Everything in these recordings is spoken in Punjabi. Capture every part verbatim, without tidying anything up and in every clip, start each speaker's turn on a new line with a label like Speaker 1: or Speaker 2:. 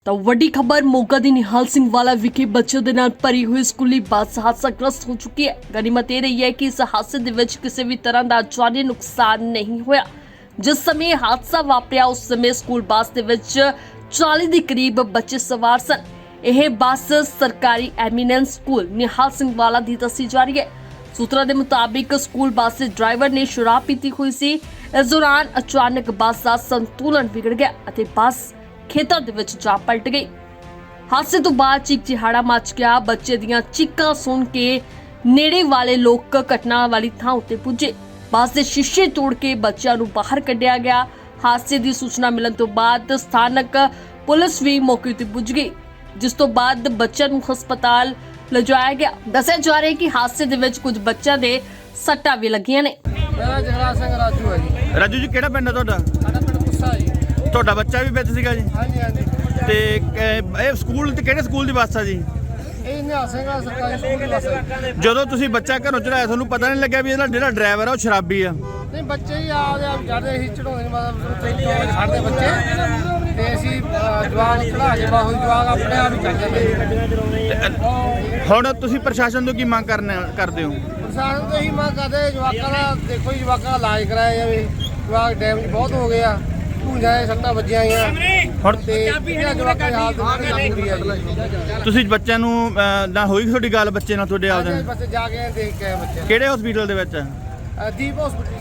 Speaker 1: ਤਾਂ ਵੱਡੀ ਖਬਰ ਮੋਗਾ ਦੀ ਨਿਹਾਲ ਸਿੰਘ ਵਾਲਾ ਵਿਖੇ ਬੱਚਿਆਂ ਦੇ ਨਾਲ ਭਰੀ ਹੋਈ ਸਕੂਲੀ ਬੱਸ ਹਾਦਸਾਗ੍ਰਸਤ ਹੋ ਚੁੱਕੀ ਹੈ। ਗਨੀਮਤ ਇਹ ਰਹੀ ਹੈ ਕਿ ਇਸ ਹਾਦਸੇ ਦੇ ਵਿੱਚ ਕਿਸੇ ਵੀ ਤਰ੍ਹਾਂ ਦਾ ਜਾਨੀ ਨੁਕਸਾਨ ਨਹੀਂ ਹੋਇਆ। ਜਿਸ ਸਮੇਂ ਹਾਦਸਾ ਵਾਪਰਿਆ ਉਸ ਸਮੇਂ ਸਕੂਲ ਬੱਸ ਦੇ ਵਿੱਚ ਚਾਲੀ ਦੇ ਕਰੀਬ ਬੱਚੇ ਸਵਾਰ ਸਨ। ਇਹ ਬੱਸ ਸਰਕਾਰੀ ਐਮੀਨੈਂਸ ਸਕੂਲ ਨਿਹਾਲ ਸਿੰਘ ਵਾਲਾ ਦੀ ਦੱਸੀ ਜਾ ਰਹੀ ਹੈ। ਸੂਤਰਾਂ ਦੇ ਮੁਤਾਬਿਕ ਸਕੂਲ ਬੱਸ ਦੇ ਡਰਾਈਵਰ ਨੇ ਸ਼ਰਾਬ ਪੀਤੀ ਹੋਈ ਸੀ। ਇਸ ਦੌਰਾਨ ਅਚਾਨਕ ਬੱਸ ਦਾ ਸੰਤੁਲਨ ਵਿਗੜ ਗਿਆ ਅਤੇ ਬੱਸ ਖੇਤਾਂ ਦੇ ਵਿੱਚ ਜਾ ਪਲਟ ਗਈ। ਹਾਦਸੇ ਤੋਂ ਬਾਅਦ ਚੀਕ ਚਿਹਾੜਾ ਮਚ ਗਿਆ। ਬੱਚੇ ਦੀਆਂ ਚੀਕਾਂ ਸੁਣ ਕੇ ਨੇੜੇ ਵਾਲੇ ਲੋਕ ਘਟਨਾ ਵਾਲੀ ਥਾਂ ਉੱਤੇ ਪੁੱਜੇ। ਬੱਸ ਦੇ ਸ਼ੀਸ਼ੇ ਤੋੜ ਕੇ ਬੱਚਿਆਂ ਨੂੰ ਬਾਹਰ ਕੱਢਿਆ ਗਿਆ। ਹਾਦਸੇ ਦੀ ਸੂਚਨਾ ਮਿਲਣ ਤੋਂ ਬਾਅਦ ਸਥਾਨਕ ਪੁਲਿਸ ਵੀ ਮੌਕੇ ਤੇ ਪੁੱਜ ਗਈ, ਜਿਸ ਤੋਂ ਬਾਅਦ ਬੱਚਿਆਂ ਨੂੰ ਹਸਪਤਾਲ ਲਿਜਾਇਆ ਗਿਆ। ਦੱਸਿਆ ਜਾ ਰਿਹਾ ਹੈ ਕਿ ਹਾਦਸੇ ਦੇ ਵਿੱਚ ਕੁਝ ਬੱਚਿਆਂ ਦੇ ਸੱਟਾਂ ਵੀ ਲੱਗੀਆਂ ਨੇ।
Speaker 2: ਮੇਰਾ ਜਗਰਾ ਸਿੰਘ ਰਾਜੂ ਹੈ ਜੀ।
Speaker 3: ਰਾਜੂ ਜੀ ਕਿਹੜਾ ਪਿੰਡ ਹੈ ਤੁਹਾਡਾ?
Speaker 2: ਸਾਡਾ ਪਿੰਡ ਪੁੱਸਾ ਜੀ।
Speaker 3: ਤੁਹਾਡਾ ਬੱਚਾ ਵੀ ਵਿੱਚ ਸੀਗਾ ਜੀ?
Speaker 2: ਹਾਂਜੀ ਹਾਂਜੀ।
Speaker 3: ਤੇ ਕ- ਇਹ ਸਕੂਲ ਤੇ ਕਿਹੜੇ ਸਕੂਲ ਦੀ ਬੱਸ ਆ ਜੀ?
Speaker 2: ਇਹ ਨਿਹਾਲ ਸਿੰਘ ਵਾਲਾ ਸਰਕਾਰੀ ਸਕੂਲ ਦੀ ਬੱਸ ਹੈ।
Speaker 3: ਜਦੋਂ ਤੁਸੀਂ ਬੱਚਾ ਘਰੋਂ ਚੜਾਇਆ ਤੁਹਾਨੂੰ ਪਤਾ ਨਹੀਂ ਲੱਗਿਆ ਵੀ ਇਹਦਾ ਜਿਹੜਾ ਡਰਾਈਵਰ ਆ ਉਹ ਸ਼ਰਾਬੀ ਆ?
Speaker 2: ਨਹੀਂ ਬੱਚੇ ਹੀ ਆਪਦੇ ਆਪ ਚੜ੍ਹਦੇ ਸੀ, ਚੜਾਉਂਦੇ ਮਤਲਬ ਟ੍ਰੇਨ ਤੋਂ ਛੱਡਦੇ ਬੱਚੇ ਤੇ ਅਸੀਂ ਅਹ, ਜਵਾਕ ਚੜਾ ਕੇ ਬਾਹੂ ਜਵਾਕ ਆਪਣੇ ਆਪ ਹੀ ਚੱਲ ਜਾਂਦੇ।
Speaker 3: ਹੁਣ ਤੁਸੀਂ ਪ੍ਰਸ਼ਾਸਨ ਤੋਂ ਕੀ ਮੰਗ ਕਰਨਾ ਕਰਦੇ ਹੋ?
Speaker 2: ਪ੍ਰਸ਼ਾਸਨ ਤੋਂ ਇਹੀ ਮੰਗ ਕਰਦੇ ਜਵਾਕਾਂ ਦਾ ਦੇਖੋ ਜੀ, ਜਵਾਕਾਂ ਦਾ ਇਲਾਜ ਕਰਾਇਆ ਜਾਵੇ। ਜਵਾਕ ਡੈਮੇਜ ਬਹੁਤ ਹੋ ਗਏ ਆ, ਭੂੰਜਾਂ ਦੇ ਸੱਟਾਂ ਵੱਜੀਆਂ ਆਈਆਂ
Speaker 3: ਹੁਣ
Speaker 2: ਤੇ ਇਹਨਾਂ ਜਵਾਕਾਂ ਦੀ ਹਾਲਤ ਬਹੁਤ ਬੁਰੀ ਆ ਜੀ।
Speaker 3: ਤੁਸੀਂ ਬੱਚਿਆਂ ਨੂੰ ਅਹ, ਨਾ ਹੋਈ ਤੁਹਾਡੀ ਗੱਲ ਬੱਚੇ ਨਾਲ ਤੁਹਾਡੇ ਆਪਦੇ
Speaker 2: ਹਾਂਜੀ,
Speaker 3: ਨਾਲ?
Speaker 2: ਬੱਚੇ ਜਾ ਕੇ ਦੇਖ ਕੇ ਆਏ ਬੱਚੇ।
Speaker 3: ਕਿਹੜੇ ਹਸਪੀਟਲ ਦੇ ਵਿੱਚ?
Speaker 2: ਅਹ, ਦੀਪ ਹਸਪੀਟਲ।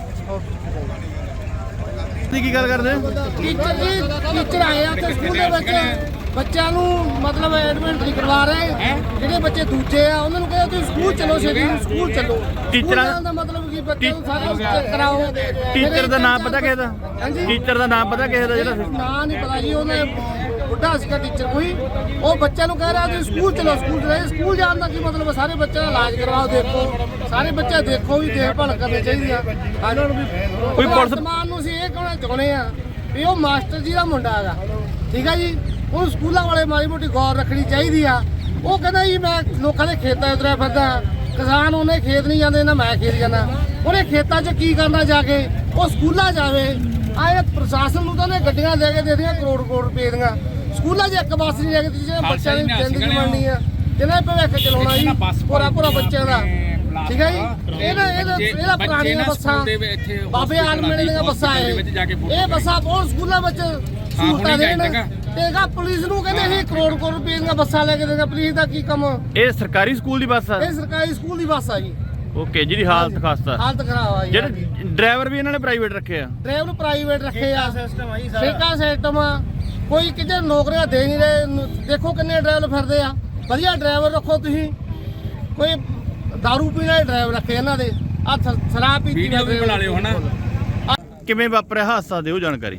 Speaker 3: ਤੁਸੀਂ ਕੀ ਗੱਲ ਕਰਦੇ?
Speaker 2: ਟੀਚਰ ਜੀ ਟੀਚਰ ਆਏ ਆ ਤੇ ਸਕੂਲ ਦੇ ਵਿੱਚ ਬੱਚਿਆਂ ਨੂੰ ਮਤਲਬ ਐਡਮਿਟ ਨਹੀਂ ਕਰਵਾ ਰਹੇ। ਜਿਹੜੇ ਬੱਚੇ ਦੂਜੇ ਆ ਉਹਨਾਂ ਨੂੰ ਕਹਿੰਦੇ ਤੁਸੀਂ ਸਕੂਲ ਚਲੋ, ਛੇਤੀ ਸਕੂਲ ਚਲੋ।
Speaker 3: ਟੀਚਰਾਂ-
Speaker 2: ਸਕੂਲ ਜਾਣ ਦਾ ਮਤਲਬ ਕੀ ਬੱਚਿਆਂ ਨੂੰ ਸਾਰਾ ਚੈੱਕ ਕਰਾਓ।
Speaker 3: ਟੀਚਰ ਦਾ ਨਾਮ ਪਤਾ ਕਿਸੇ ਦਾ?
Speaker 2: ਹਾਂਜੀ।
Speaker 3: ਟੀਚਰ ਦਾ ਨਾਮ ਪਤਾ ਕਿਸੇ ਦਾ ਜਿਹੜਾ?
Speaker 2: ਨਾਂ ਨਹੀਂ ਪਤਾ ਜੀ, ਉਹਨੇ ਬੁੱਢਾ ਸੀਗਾ ਟੀਚਰ ਕੋਈ। ਉਹ ਬੱਚਿਆਂ ਨੂੰ ਕਹਿ ਰਿਹਾ ਤੁਸੀਂ ਸਕੂਲ ਚਲੋ, ਸਕੂਲ ਚਲੋ। ਸਕੂਲ ਜਾਣ ਦਾ ਕੀ ਮਤਲਬ? ਸਾਰੇ ਬੱਚਿਆਂ ਦਾ ਇਲਾਜ ਕਰਵਾਓ, ਦੇਖੋ ਸਾਰੇ ਬੱਚੇ ਦੇਖੋ ਵੀ ਦੇਖਭਾਲ ਕਰਨੀ ਚਾਹੀਦੀ ਆ। ਇਹਨਾਂ ਨੂੰ ਵੀ
Speaker 3: ਕੋਈ ਪੁਲਿਸ-
Speaker 2: ਵਰਤਮਾਨ ਨੂੰ ਅਸੀਂ ਇਹ ਕਹਿਣਾ ਚਾਹੁੰਦੇ ਆ ਵੀ ਉਹ ਮਾਸਟਰ ਜੀ ਦਾ ਮੁੰਡਾ ਹੈਗਾ, ਠੀਕ ਆ ਜੀ। ਉਹ ਸਕੂਲਾਂ ਵਾਲੇ ਮਾੜੀ ਮੋਟੀ ਗੌਰ ਰੱਖਣੀ ਚਾਹੀਦੀ ਆ। ਉਹ ਕਹਿੰਦਾ ਜੀ ਮੈਂ ਲੋਕਾਂ ਦੇ ਖੇਤਾਂ ਉਤਰਿਆ ਫਿਰਦਾ, ਕਿਸਾਨ ਉਹਨੇ ਖੇਤ ਨਹੀਂ ਜਾਂਦੇ ਨਾ ਮੈਂ ਖੇਤ ਜਾਂਦਾ। ਉਹਨੇ ਖੇਤਾਂ 'ਚ ਕੀ ਕਰਨਾ ਜਾ ਕੇ? ਉਹ ਸਕੂਲਾਂ ਜਾਵੇ। ਆਏ ਪ੍ਰਸ਼ਾਸਨ ਨੂੰ ਤਾਂ ਉਹਨੇ ਗੱਡੀਆਂ ਦੇ ਕੇ ਦੇ ਦੀਆਂ ਕਰੋੜ ਕਰੋੜ ਰੁਪਏ ਦੀਆਂ। ਸਕੂਲਾਂ 'ਚ ਇੱਕ ਬੱਸ ਨਹੀਂ ਲੈ ਕੇ ਦਿੱਤੀ ਜਿਹੜੇ ਬੱਚਿਆਂ ਦੀ ਜ਼ਿੰਦਗੀ ਬਣਨੀ ਆ, ਜਿਹਨੇ ਭਵਿੱਖ ਚਲਾਉਣਾ ਜੀ ਪੂਰਾ ਪੂਰਾ ਬੱਚਿਆਂ ਦਾ, ਠੀਕ ਹੈ ਜੀ। ਇਹਦਾ ਇਹਦਾ ਇਹਦਾ ਪੁਰਾਣੀਆਂ ਬੱਸਾਂ ਬਾਬੇ ਆਲਮਣੇ ਦੀਆਂ ਬੱਸਾਂ ਇਹ ਇਹ ਬੱਸਾਂ ਬਹੁਤ ਸਕੂਲਾਂ ਵਿੱਚ ਸਹੂਲਤਾਂ ਦੇਣ ਤੇਗਾ। ਪੁਲਿਸ ਨੂੰ ਕਹਿੰਦੇ ਸੀ ਕਰੋੜ ਕਰੋੜ ਰੁਪਏ ਦੀਆਂ ਬੱਸਾਂ ਲੈ ਕੇ ਦੇਗਾ। ਪੁਲਿਸ ਦਾ ਕੀ ਕੰਮ?
Speaker 3: ਇਹ ਸਰਕਾਰੀ ਸਕੂਲ ਦੀ ਬੱਸ ਆ?
Speaker 2: ਇਹ ਸਰਕਾਰੀ ਸਕੂਲ ਦੀ ਬੱਸ ਆ ਜੀ।
Speaker 3: ਓਕੇ, ਜਿਹਦੀ ਹਾਲਤ ਖਾਸਤਾ।
Speaker 2: ਹਾਲਤ ਖਰਾਬ ਆ ਜੀ।
Speaker 3: ਜਿਹੜੇ ਡਰਾਈਵਰ ਵੀ ਇਹਨਾਂ ਨੇ ਪ੍ਰਾਈਵੇਟ ਰੱਖੇ ਆ?
Speaker 2: ਡਰਾਈਵਰ ਨੂੰ ਪ੍ਰਾਈਵੇਟ ਰੱਖੇ ਆ, ਠੇਕਾ ਸਿਸਟਮ ਆ। ਕੋਈ ਕਿਤੇ ਨੌਕਰੀਆਂ ਦੇ ਨਹੀਂ ਰਹੇ। ਦੇਖੋ ਕਿੰਨੇ ਡਰਾਈਵਰ ਫਿਰਦੇ ਆ। ਵਧੀਆ ਡਰਾਈਵਰ ਰੱਖੋ ਤੁਸੀਂ। ਕੋਈ ਦਾਰੂ ਪੀਣ ਵਾਲੇ ਡਰਾਈਵਰ ਰੱਖੇ ਇਹਨਾਂ ਦੇ। ਆ ਸ਼ਰਾਬ ਪੀਤੀ
Speaker 4: ਵੀਡੀਓ ਵੀ ਬਣਾ ਲਿਓ ਹਨਾ।
Speaker 3: ਕਿਵੇਂ ਵਾਪਰਿਆ ਹਾਦਸਾ, ਦਿਓ ਜਾਣਕਾਰੀ।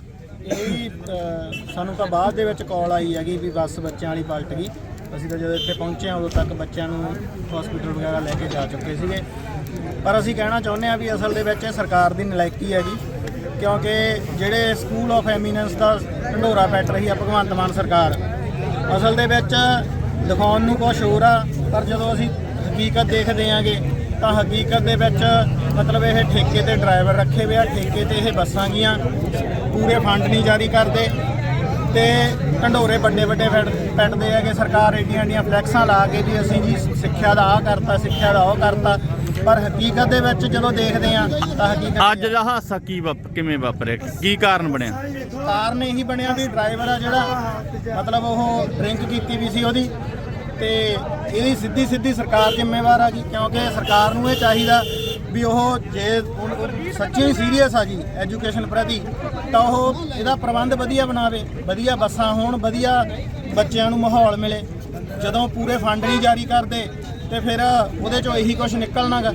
Speaker 5: ਇਹ ਸਾਨੂੰ ਤਾਂ ਬਾਅਦ ਦੇ ਵਿੱਚ ਕਾਲ ਆਈ ਹੈਗੀ ਵੀ ਬੱਸ ਬੱਚਿਆਂ ਵਾਲੀ ਪਲਟ ਗਈ। ਅਸੀਂ ਤਾਂ ਜਦੋਂ ਇੱਥੇ ਪਹੁੰਚੇ ਹਾਂ ਉਦੋਂ ਤੱਕ ਬੱਚਿਆਂ ਨੂੰ ਹਸਪੀਟਲ ਵਗੈਰਾ ਲੈ ਕੇ ਜਾ ਚੁੱਕੇ ਸੀਗੇ। ਪਰ ਅਸੀਂ ਕਹਿਣਾ ਚਾਹੁੰਦੇ ਹਾਂ ਵੀ ਅਸਲ ਦੇ ਵਿੱਚ ਇਹ ਸਰਕਾਰ ਦੀ ਨਲਾਇਕੀ ਹੈਗੀ, ਕਿਉਂਕਿ ਜਿਹੜੇ ਸਕੂਲ ਆਫ ਐਮੀਨੈਂਸ ਦਾ ਢੰਡੋਰਾ ਪੈਟ ਰਹੀ ਆ ਭਗਵੰਤ ਮਾਨ ਸਰਕਾਰ, ਅਸਲ ਦੇ ਵਿੱਚ ਦਿਖਾਉਣ ਨੂੰ ਕੁਛ ਹੋਰ ਆ, ਪਰ ਜਦੋਂ ਅਸੀਂ ਹਕੀਕਤ ਦੇਖਦੇ ਆਂਗੇ ਤਾਂ ਹਕੀਕਤ ਦੇ ਵਿੱਚ ਮਤਲਬ ਇਹ ਠੇਕੇ ਤੇ ਡਰਾਈਵਰ ਰੱਖੇ ਹੋਏ ਆ, ਠੇਕੇ ਤੇ ਇਹ ਬੱਸਾਂ ਗੀਆਂ, ਪੂਰੇ ਫੰਡ ਨਹੀਂ ਜਾਰੀ ਕਰਦੇ ਤੇ ਢੰਡੋਰੇ ਵੱਡੇ ਵੱਡੇ ਪੈਟਦੇ ਹੈਗੇ। ਸਰਕਾਰ ਏਡੀਆਂ ਏਡੀਆਂ ਫਲੈਕਸਾਂ ਲਾ ਕੇ ਵੀ ਅਸੀਂ ਜੀ ਸਿੱਖਿਆ ਦਾ ਆਹ ਕਰਤਾ, ਸਿੱਖਿਆ ਦਾ ਉਹ ਕਰਤਾ, ਪਰ ਹਕੀਕਤ ਦੇ ਵਿੱਚ ਜਦੋਂ ਦੇਖਦੇ ਆ ਤਾਂ ਹਕੀਕਤ
Speaker 3: ਅੱਜ ਦਾ ਹਾਦਸਾ ਕੀ ਵਾਪ ਕਿਵੇਂ ਵਾਪਰਿਆ, ਕੀ ਕਾਰਨ ਬਣਿਆ?
Speaker 5: ਕਾਰਨ ਇਹੀ ਬਣਿਆ ਵੀ ਡਰਾਈਵਰ ਆ ਜਿਹੜਾ ਮਤਲਬ ਉਹ ਡਰਿੰਕ ਕੀਤੀ ਵੀ ਸੀ ਉਹਦੀ, ਤੇ ਇਹਦੀ ਸਿੱਧੀ ਸਿੱਧੀ ਸਰਕਾਰ ਜ਼ਿੰਮੇਵਾਰ ਆ ਜੀ। ਕਿਉਂਕਿ ਸਰਕਾਰ ਨੂੰ ਇਹ ਚਾਹੀਦਾ ਵੀ ਉਹ ਜੇ ਸੱਚੀ ਸੀਰੀਅਸ ਆ ਜੀ ਐਜੂਕੇਸ਼ਨ ਪ੍ਰਤੀ, ਤਾਂ ਉਹ ਇਹਦਾ ਪ੍ਰਬੰਧ ਵਧੀਆ ਬਣਾਵੇ, ਵਧੀਆ ਬੱਸਾਂ ਹੋਣ, ਵਧੀਆ ਬੱਚਿਆਂ ਨੂੰ ਮਾਹੌਲ ਮਿਲੇ। ਜਦੋਂ ਪੂਰੇ ਫੰਡ ਨਹੀਂ ਜਾਰੀ ਕਰਦੇ ਤੇ ਫਿਰ ਉਹਦੇ ਚੋਂ ਇਹੀ ਕੁਝ ਨਿਕਲਣਾਗਾ।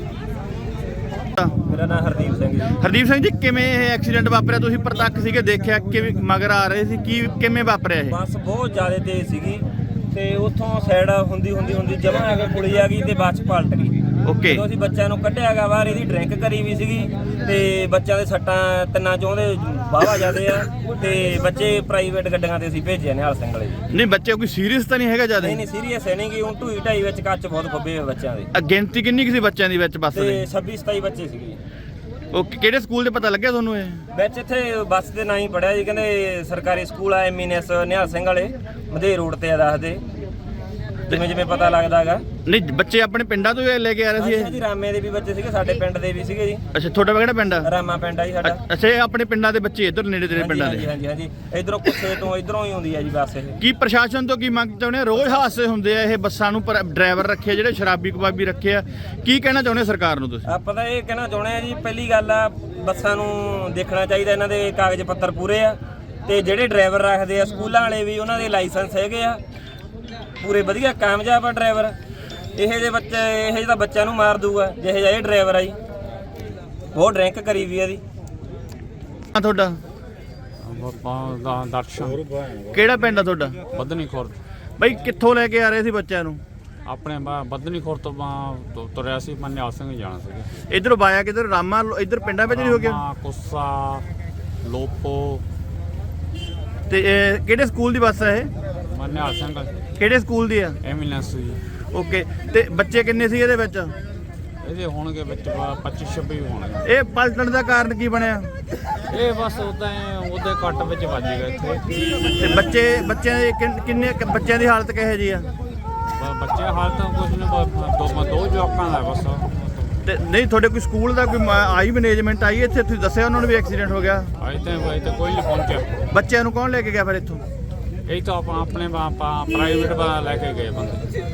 Speaker 6: ਮੇਰਾ ਨਾਮ ਹਰਦੀਪ ਸਿੰਘ ਜੀ।
Speaker 3: ਹਰਦੀਪ ਸਿੰਘ ਜੀ, ਕਿਵੇਂ ਇਹ ਐਕਸੀਡੈਂਟ ਵਾਪਰਿਆ? ਤੁਸੀਂ ਪ੍ਰਤੱਖ ਸੀਗੇ, ਦੇਖਿਆ ਕਿਵੇਂ ਮਗਰ ਆ ਰਹੇ ਸੀ, ਕੀ ਕਿਵੇਂ ਵਾਪਰਿਆ ਇਹ?
Speaker 6: ਬੱਸ ਬਹੁਤ ਜ਼ਿਆਦਾ ਤੇਜ਼ ਸੀਗੀ ਤੇ ਉੱਥੋਂ ਸਾਈਡ ਹੁੰਦੀ ਹੁੰਦੀ ਹੁੰਦੀ ਜਮਾਂ ਆ ਕੇ ਪੁਲੀ ਆ ਗਈ ਤੇ ਬੱਸ ਪਲਟ ਗਈ।
Speaker 3: ਓਕੇ,
Speaker 6: ਜਦੋਂ ਅਸੀਂ ਬੱਚਿਆਂ ਨੂੰ ਕੱਢਿਆ ਗਾ ਬਾਹਰ, ਇਹਦੀ ਡਰਿੰਕ ਕਰੀ ਵੀ ਸੀਗੀ ਤੇ ਬੱਚਿਆਂ ਦੇ ਸੱਟਾਂ ਤਿੰਨਾਂ ਚੋਂ ਦੇ ਵਾਹਵਾ ਜਾਂਦੇ ਆ ਤੇ ਬੱਚੇ ਪ੍ਰਾਈਵੇਟ ਗੱਡੀਆਂ ਤੇ ਅਸੀਂ ਭੇਜੇ ਨਿਹਾਲ ਸਿੰਘ ਵਾਲੇ ਜੀ।
Speaker 3: ਨਹੀਂ ਬੱਚੇ ਕੋਈ ਸੀਰੀਅਸ ਤਾਂ ਨਹੀਂ ਹੈਗਾ ਜਿਆਦਾ?
Speaker 6: ਨਹੀਂ ਨਹੀਂ ਸੀਰੀਅਸ ਹੈ ਨਹੀਂ ਗੀ। ਹੁਣ ਢੂਈ ਢਾਈ ਵਿੱਚ ਕੱਚ ਬਹੁਤ ਖੱਬੇ ਹੋਏ ਬੱਚਿਆਂ ਦੇ।
Speaker 3: ਗਿਣਤੀ ਕਿੰਨੀ ਕੁ ਸੀ ਬੱਚਿਆਂ ਦੀ ਵਿੱਚ ਬੱਸ
Speaker 6: ਤੇ
Speaker 3: ਦੇ?
Speaker 6: ਛੱਬੀ ਸਤਾਈ ਬੱਚੇ ਸੀਗੇ।
Speaker 3: ਉਹ ਕਿਹੜੇ ਸਕੂਲ ਦੇ ਪਤਾ ਲੱਗਿਆ ਤੁਹਾਨੂੰ ਇਹ?
Speaker 6: ਵਿੱਚ ਇੱਥੇ ਬੱਸ ਦੇ ਨਾਂ ਹੀ ਪੜਿਆ ਜੀ, ਕਹਿੰਦੇ ਸਰਕਾਰੀ ਸਕੂਲ ਆ ਐਮਐਨਐਸ ਨਿਹਾਲ ਸਿੰਘ ਵਾਲੇ ਮਧੇ ਰੋਡ ਤੇ ਆ ਦੱਸਦੇ, ਜਿਵੇਂ ਜਿਵੇਂ ਪਤਾ ਲੱਗਦਾ ਹੈਗਾ।
Speaker 3: ਨਹੀਂ ਬੱਚੇ ਆਪਣੇ ਪਿੰਡਾਂ ਤੋਂ ਹੀ ਲੈ ਕੇ ਆ ਰਹੇ ਸੀ ਇਹ?
Speaker 6: ਜੀ ਰਾਮੇ ਦੇ ਵੀ ਬੱਚੇ ਸੀਗੇ, ਸਾਡੇ ਪਿੰਡ ਦੇ ਵੀ ਸੀਗੇ ਜੀ।
Speaker 3: ਅੱਛਾ ਤੁਹਾਡਾ ਕਿਹੜਾ ਪਿੰਡ ਆ?
Speaker 6: ਰਾਮਾ ਪਿੰਡ ਆ ਜੀ ਸਾਡਾ।
Speaker 3: ਅੱਛਾ ਇਹ ਆਪਣੇ ਪਿੰਡਾਂ ਦੇ ਬੱਚੇ ਇੱਧਰ ਨੇੜੇ ਤੇੜੇ ਪਿੰਡਾਂ
Speaker 6: ਹਾਂਜੀ
Speaker 3: ਦੇ?
Speaker 6: ਹਾਂਜੀ ਹਾਂਜੀ ਇਧਰੋਂ ਕੁੱਸੇ ਤੋਂ ਇਧਰੋਂ ਹੀ ਆਉਂਦੀ ਆ ਜੀ ਬੱਸ ਇਹ।
Speaker 3: ਕੀ ਪ੍ਰਸ਼ਾਸਨ ਤੋਂ ਕੀ ਮੰਗ ਚਾਹੁੰਦੇ ਆ? ਰੋਜ਼ ਹਾਦਸੇ ਹੁੰਦੇ ਆ ਇਹ ਬੱਸਾਂ ਨੂੰ, ਪਰ ਡਰਾਈਵਰ ਰੱਖੇ ਜਿਹੜੇ ਸ਼ਰਾਬੀ ਕਬਾਬੀ ਰੱਖੇ ਆ, ਕੀ ਕਹਿਣਾ ਚਾਹੁੰਦੇ ਸਰਕਾਰ ਨੂੰ ਤੁਸੀਂ?
Speaker 6: ਆਪਾਂ ਤਾਂ ਇਹ ਕਹਿਣਾ ਚਾਹੁੰਦੇ ਆ ਜੀ, ਪਹਿਲੀ ਗੱਲ ਆ ਬੱਸਾਂ ਨੂੰ ਦੇਖਣਾ ਚਾਹੀਦਾ ਇਹਨਾਂ ਦੇ ਕਾਗਜ਼ ਪੱਤਰ ਪੂਰੇ ਆ, ਤੇ ਜਿਹੜੇ ਡਰਾਈਵਰ ਰੱਖਦੇ ਆ ਸਕੂਲਾਂ ਵਾਲੇ ਵੀ ਉਹਨਾਂ ਦੇ ਲਾਇਸੈਂਸ ਹੈਗੇ ਆ ਪੂਰੇ ਵਧੀਆ ਕਾਮਯਾਬ ਆ ਡਰਾਈਵਰ। ਇਹੋ ਜਿਹੇ ਬੱਚੇ ਇਹੋ ਜਿਹੇ ਤਾਂ ਬੱਚਿਆਂ ਨੂੰ ਮਾਰ ਦੂਗਾ ਜਿਹੇ ਜਿਹਾ ਇਹ ਡਰਾਈਵਰ ਆ ਜੀ, ਬਹੁਤ ਡਰਿੰਕ ਕਰੀ ਵੀ ਇਹਦੀ।
Speaker 3: ਆ ਤੁਹਾਡਾ
Speaker 4: ਦਾ ਦਰਸ਼ਨ
Speaker 3: ਕਿਹੜਾ ਪਿੰਡ ਆ ਤੁਹਾਡਾ?
Speaker 4: ਬੱਧਨੀ ਖੁਰਦ।
Speaker 3: ਬਈ ਕਿੱਥੋਂ ਲੈ ਕੇ ਆ ਰਹੇ ਸੀ ਬੱਚਿਆਂ ਨੂੰ?
Speaker 4: ਆਪਣੇ ਬ- ਬੱਧਨੀ ਖੁਰਦ ਤੋਂ ਬਾ- ਤੁ- ਤੁਰਿਆ ਸੀ, ਮੈਂ ਨਿਹਾਲ ਸਿੰਘ ਜਾਣਾ ਸੀਗਾ।
Speaker 3: ਇਧਰੋਂ ਬਾਇਆ ਕਿਧਰ ਰਾਮਾ ਇਧਰ ਪਿੰਡਾਂ ਵਿੱਚ ਨਹੀਂ ਹੋ ਗਿਆ?
Speaker 4: ਰਾਮਾ, ਕੁੱਸਾ, ਲੋਪੋ।
Speaker 3: ਤੇ ਇਹ ਕਿਹੜੇ ਸਕੂਲ ਦੀ ਬੱਸ ਹੈ ਇਹ?
Speaker 4: ਮੈਂ ਨਿਹਾਲ ਸਿੰਘ
Speaker 3: ਕਿਹੜੇ ਸਕੂਲ ਦੀ ਆ?
Speaker 4: ਐਮੀਨੈਂਸ ਜੀ।
Speaker 3: ਓਕੇ ਤੇ ਬੱਚੇ ਕਿੰਨੇ ਸੀ ਇਹਦੇ ਵਿੱਚ?
Speaker 4: ਇਹਦੇ ਹੋਣਗੇ ਵਿੱਚ ਪੱਚੀ ਛੱਬੀ ਹੋਣਗੇ।
Speaker 3: ਇਹ ਪਲਟਣ ਦਾ ਕਾਰਨ ਕੀ ਬਣਿਆ?
Speaker 4: ਇਹ ਬਸ ਉਦਾਂ ਉਹਦੇ ਕੱਟ ਵਿੱਚ ਵੱਜ ਗਿਆ ਇੱਥੇ।
Speaker 3: ਤੇ ਬੱਚੇ ਬੱਚਿਆਂ ਦੇ ਕਿੰਨ- ਕਿੰਨੇ ਕੁ ਬੱਚਿਆਂ ਦੀ ਹਾਲਤ ਕਿਹੋ ਜੀ ਆ?
Speaker 4: ਬ- ਬੱਚੇ ਹਾਲ ਤਾਂ ਕੁਝ ਨਹੀਂ, ਬ- ਦੋ ਦੋ ਜਵਾਕਾਂ ਦਾ ਬਸ।
Speaker 3: ਤੇ ਨਹੀਂ ਤੁਹਾਡੇ ਕੋਈ ਸਕੂਲ ਦਾ ਕੋਈ ਮ- ਆਈ ਮੈਨੇਜਮੈਂਟ ਆਈ ਇੱਥੇ? ਤੁਸੀਂ ਦੱਸਿਆ ਉਹਨਾਂ ਨੂੰ ਵੀ ਐਕਸੀਡੈਂਟ ਹੋ ਗਿਆ?
Speaker 4: ਅਜੇ ਤਾਂ ਅਜੇ ਤਾਂ ਕੋਈ ਨਹੀਂ ਪਹੁੰਚਿਆ।
Speaker 3: ਬੱਚਿਆਂ ਨੂੰ ਕੌਣ ਲੈ ਕੇ ਗਿਆ ਫਿਰ ਇੱਥੋਂ?
Speaker 4: ਇਹ ਤਾਂ ਆਪਾਂ ਆਪਣੇ ਪ੍ਰਾਈਵੇਟ ਲੈ ਕੇ ਗਏ ਬੰਦੇ।